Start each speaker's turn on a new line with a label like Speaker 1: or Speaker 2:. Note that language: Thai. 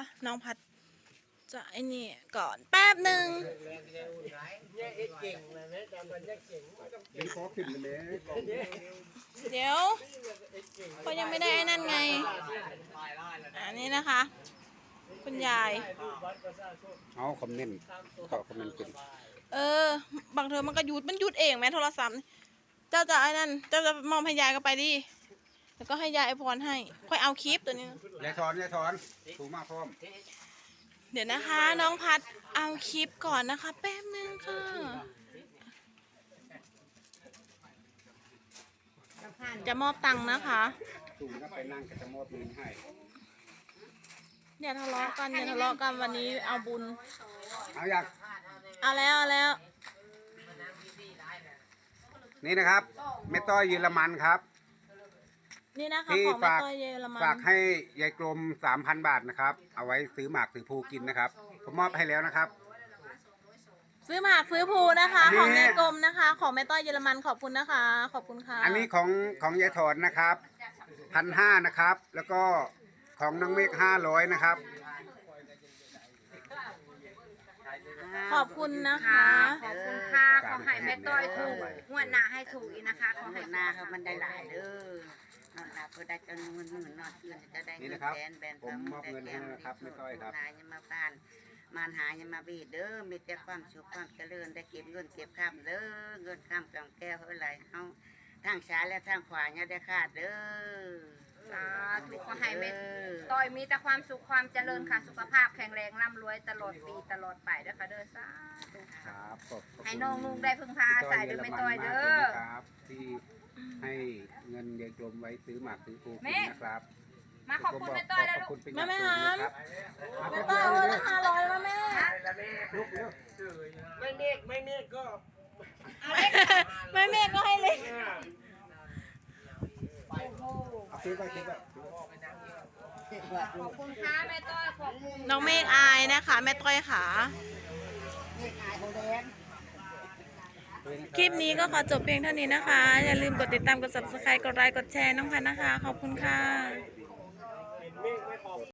Speaker 1: น้องพัดจะไอ้นี่ก่อนแป๊บหนึ่งเดี๋ยวเขายังไม่ได้ไอ้นั่นไงอันนี้นะคะ คุณยาย
Speaker 2: เอาคอมเมนต์ขอคอมเมนต์เป็น
Speaker 1: บางเธอมันก็หยุดเองแม่โทรศัพท์เจ้าจะไอ้นั่นเจ้าจะมองให้ยายก็ไปดิแล้วก็ให้ยายไอพรให้ค่อยเอาคลิปตัวนี้
Speaker 2: ยายถอนถูกมากพร้อม
Speaker 1: เดี๋ยวนะคะน้องพัดเอาคลิปก่อนนะคะแป๊บนึงค่ะจะมอบตังค์นะคะ
Speaker 2: ถูกก็ไปนั่งก็จะมอบเงินให้
Speaker 1: อย่าทะเลาะกันวันนี้เอาบุญ
Speaker 2: เอาอยาก
Speaker 1: เอาแล้ว
Speaker 2: นี่นะครับแม่ต้อยเยอรมันครับ
Speaker 1: นี่นะคะของแม่ต้อยเยอรมัน
Speaker 2: ฝากให้ยายกลม 3,000 บาทนะครับเอาไว้ซื้อหมากซื้อภูกินนะครับผมมอบให้แล้วนะครับ
Speaker 1: ซื้อหมากซื้อภูนะคะของยายกลมนะคะของแม่ต้อยเยอรมันขอบคุณนะคะขอบคุณค่ะ
Speaker 2: อันนี้ของยายถอนนะครับ1,500นะครับแล้วก็ของน้องเมฆ500นะครับ
Speaker 1: ขอบคุณนะคะ
Speaker 3: ขอบคุณค่ะขอให้แม่ต้อยถูกงวดหน้าให้ถูกอีกนะคะขอให้หน้าเขามันได้หลายเด้อนอนหลับก็ได้จำนวนหมื่นนอนคืนจะได้เงินแสนแบนผม
Speaker 2: มอบเงินให้นะครับแม่ต้อยครับ
Speaker 3: หายังมาบ้านมารหายังมาบีดเด้อมีแต่ความสุขความเจริญได้เก็บเงินเก็บข้ามเด้อเงินข้ามกำแก้วเท่าไรเอาทางซ้ายและทางขวาเนี่ยได้ขาดเด้อสาธุขอให้แม่ต้อยมีแต่ความสุขความเจริญค่ะสุขภาพแข็งแรงร่ำรวยตลอดปีตลอดไปเด้อค่ะเด้อสาธุ
Speaker 2: ครับ
Speaker 3: ให้น้องนุ่งได้พึ่งพาอาศัยเด้อแม่ต้อยเด้อ
Speaker 2: ครับที่ให้เงินยายกลมไว้ซื้อหมากซื้อภูกินนะครับ
Speaker 3: มาขอบคุณแม่ต้อยแล้วลูก
Speaker 1: แม่หามแม่ต้อยเอาละ500แล้วแม่
Speaker 4: ไม่เมฆก็
Speaker 1: ไม่เมฆก็ให้เลย
Speaker 3: ขอบคุณค่ะแม่ต้อยขอบคุณ
Speaker 1: น้องเมฆอายนะคะแม่ต้อยขาคลิปนี้ก็ขอจบเพียงเท่านี้นะคะอย่าลืมกดติดตามกด subscribe กดไลค์กดแชร์น้องพันนะคะขอบคุณค่ะ